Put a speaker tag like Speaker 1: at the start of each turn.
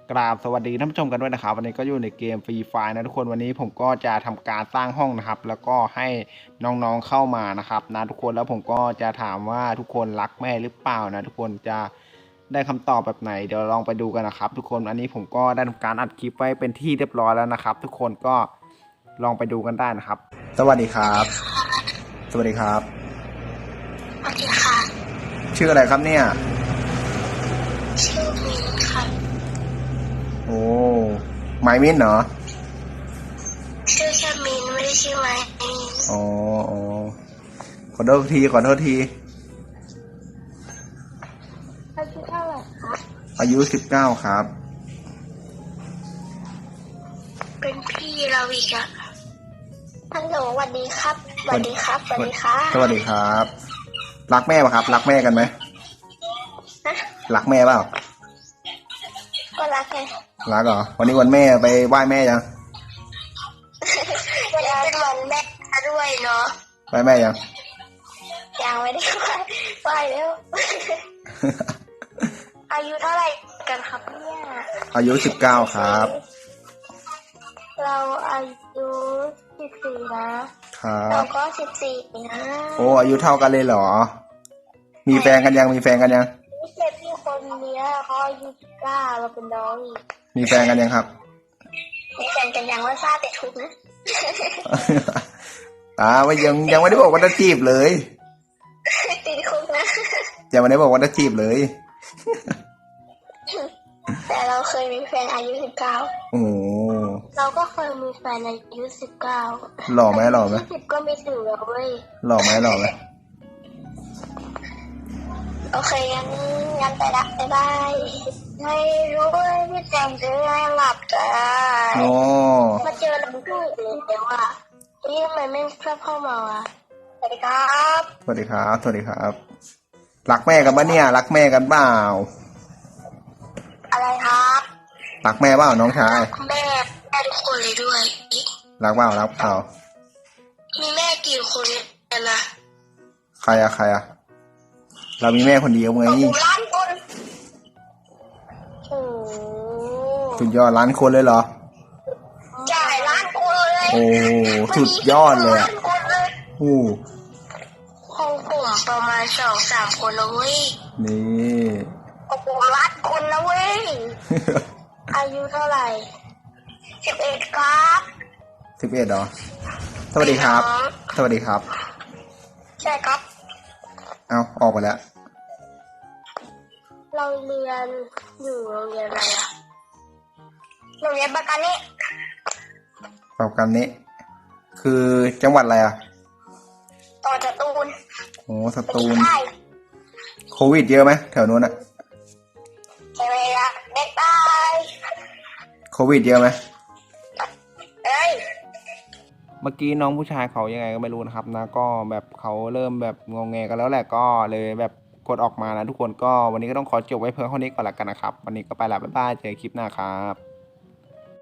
Speaker 1: กราบสวัสดีท่านผู้ชมกันด้วยนะครับวันนี้ก็อยู่ในเกมฟรีไฟนะทุกคนวันนี้ผมก็จะทำการสร้างห้องนะครับแล้วก็ให้น้องๆเข้ามานะครับนะทุกคนแล้วผมก็จะถามว่าทุกคนรักแม่หรือเปล่านะทุกคนจะได้คำตอบแบบไหนเดี๋ยวลองไปดูกันนะครับทุกคนอันนี้ผมก็ได้ทำการอัดคลิปไว้เป็นที่เรียบร้อยแล้วนะครับทุกคนก็ลองไปดูกันได้นะครับสวัสดีครับสวัสดีครับ
Speaker 2: สวัสดีค่ะ
Speaker 1: ชื่ออะไรครับเนี่ย
Speaker 2: ชื่อมินค่ะ
Speaker 1: โอ้ไมมินเหรอ
Speaker 2: ชื่อแค่มินไม่ได้ชื่อไมมิน
Speaker 1: อ๋อขอโทษที
Speaker 2: อายุเท่าไหร่คะ
Speaker 1: อายุ19ครับ
Speaker 2: เป็นพี่เราอีกอะฮัลโหลสวัสดีครับสวัสดีครับสวัสดีครับ
Speaker 1: สวัสดีครับรักแม่ป่ะครับรักแม่กันไหมรักแม่เปล่า
Speaker 2: ก็รักไง
Speaker 1: รักเหรอวันนี้วันแม่ไปไหว้แม่ยัง
Speaker 2: วันนี้เป็นวันแม่ด้วยเนาะ
Speaker 1: ไหว้แม่ยัง
Speaker 2: ไม่ได้ไหว้แล้วอายุเท่าไหร่กันครับเนี่ย
Speaker 1: อายุ19ครับ
Speaker 2: เราอายุ14นะครับเราก็14นะ
Speaker 1: โอ้อายุเท่ากันเลยเหรอมีแฟนกันยังมีแฟนกันยัง
Speaker 2: เด็กที่คนนี้เขาอายุ19เราเป็นน้องอีก
Speaker 1: มีแฟนกันยังครับ
Speaker 2: มีแฟนกันยังว่าทราบแต่ทุกนะ
Speaker 1: ว่ายังไม่ได้บอกว่าจะจีบเลย
Speaker 2: ติดคุกนะ
Speaker 1: ยังไม่ได้บอกว่าจะจีบเลย
Speaker 2: แต่เราเคยมีแฟนอายุ19
Speaker 1: โอ้
Speaker 2: เราก็เคยมีแฟนอายุ19
Speaker 1: หล่อไหม
Speaker 2: 20ก็ไม่ถึงแล้วเว้ย
Speaker 1: หล่อไหม
Speaker 2: โอเคงั้นไปละบ๊ายบายไม่รู้ว่าพี่แจงจะได้หลับจ้ามาเจอเราด้วยเลยแต่ว่าทำไมไม่ชอบเข้ามาอ่ะสวัสดีครับ
Speaker 1: สวัสดีครับสวัสดีครับรักแม่กันปะเนี่ยรักแม่กันเปล่า
Speaker 2: อะไรครับ
Speaker 1: รักแม่เปล่าน้องชาย
Speaker 2: แม่ทุกคนเลยด้วย
Speaker 1: รักเปล่า
Speaker 2: มีแม่กี่คนกันนะ
Speaker 1: ใครอะเรามีแม่คนเดียวไง
Speaker 2: ล้านคน
Speaker 1: สุดยอดล้านคนเลยเหรอ
Speaker 2: ใช่ล้านคนเลย
Speaker 1: โอ้สุดยอดเลยโอ้
Speaker 2: ห้องผมประมาณ2-3 คนนะเว้ย
Speaker 1: นี่
Speaker 2: โอ้โหล้านคนนะเว้ยอายุเท่าไหร่11ครับ
Speaker 1: 11เหรอสวัสดีครับสวัสดีครับ
Speaker 2: ใช่ครับ
Speaker 1: เอาออกไปแล้ว
Speaker 2: เราเรียนอยู่โรงเรียนอะไรอะโรงเรียนปากกานิ
Speaker 1: คือจังหวัดอะไรอะ
Speaker 2: ต่อสตูล
Speaker 1: โอ้สตูลโควิดเยอะไหมแถวนู้นอะ
Speaker 2: ใช่ไหมล่ะเด็กตาย
Speaker 1: โควิดเยอะไหม
Speaker 2: เมื่
Speaker 1: อกี้น้องผู้ชายเขายังไงก็ไม่รู้นะครับนะก็แบบเขาเริ่มแบบงงแงกันแล้วแหละก็เลยแบบกดออกมานะทุกคนก็วันนี้ก็ต้องขอจบไว้เพียงเท่านี้ก่อนละกันนะครับวันนี้ก็ไปละบ๊ายบายเจอคลิปหน้าครับ